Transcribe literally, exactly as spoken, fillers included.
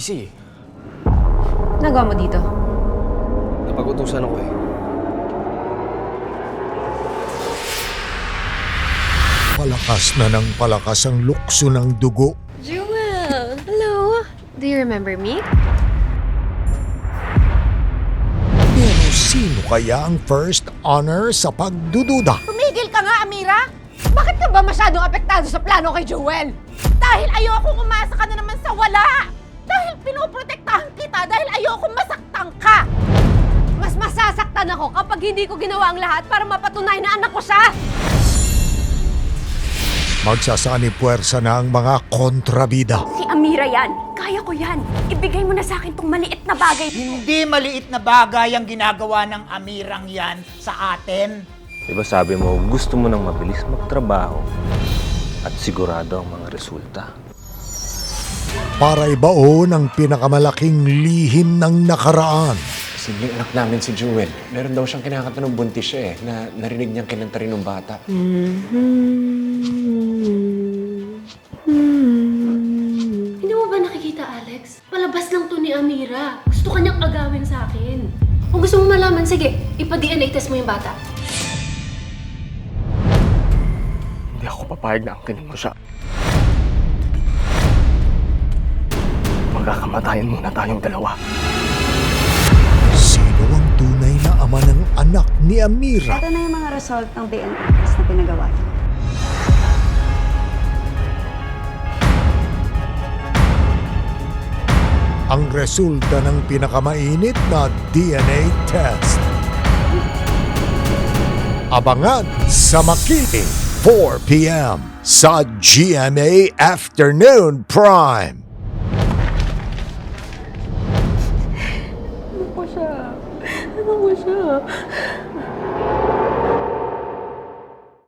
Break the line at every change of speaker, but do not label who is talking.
busy.
Nagawa mo dito?
Napag-utusan ako eh.
Palakas na ng palakas ang lukso ng dugo.
Jewel! Hello! Do you remember me?
Pero sino kaya ang first honor sa pagdududa?
Tumigil ka nga, Amira! Bakit ka ba masyadong apektado sa plano kay Joel? Dahil ayokong umasa ka na naman sa wala! Dahil pinoprotektahan kita dahil ayokong masaktan ka!
Mas masasaktan ako kapag hindi ko ginawa ang lahat para mapatunay na anak ko siya!
Magsasani puwersa na ang mga kontrabida.
Si Amira yan. Kaya ko yan. Ibigay mo na sa akin tong maliit na bagay.
Hindi maliit na bagay ang ginagawa ng Amirang yan sa atin.
Diba sabi mo, gusto mo nang mabilis magtrabaho at sigurado ang mga resulta.
Para ibaon ang pinakamalaking lihim ng nakaraan.
Kasi yung anak namin si Jewel, meron daw siyang kinakanta ng buntis siya eh, na narinig niyang kinanta rin ng bata.
Hindi mo ba nakikita, Alex? Palabas lang to ni Amira. Gusto kanyang agawin sa akin. Kung gusto mo malaman, sige, ipa-D N A test mo yung bata.
Hindi ako papayag na angkinin mo siya. Magkakamatayan muna tayong dalawa.
Sino ang tunay na ama ng anak ni Amira?
Ito na yung mga result ng D N A test na pinagawa niya.
Ang resulta ng pinakamainit na D N A test. Abangan sa Makiling, four p m sa G M A Afternoon Prime.
Ano ko siya? Ano ko siya?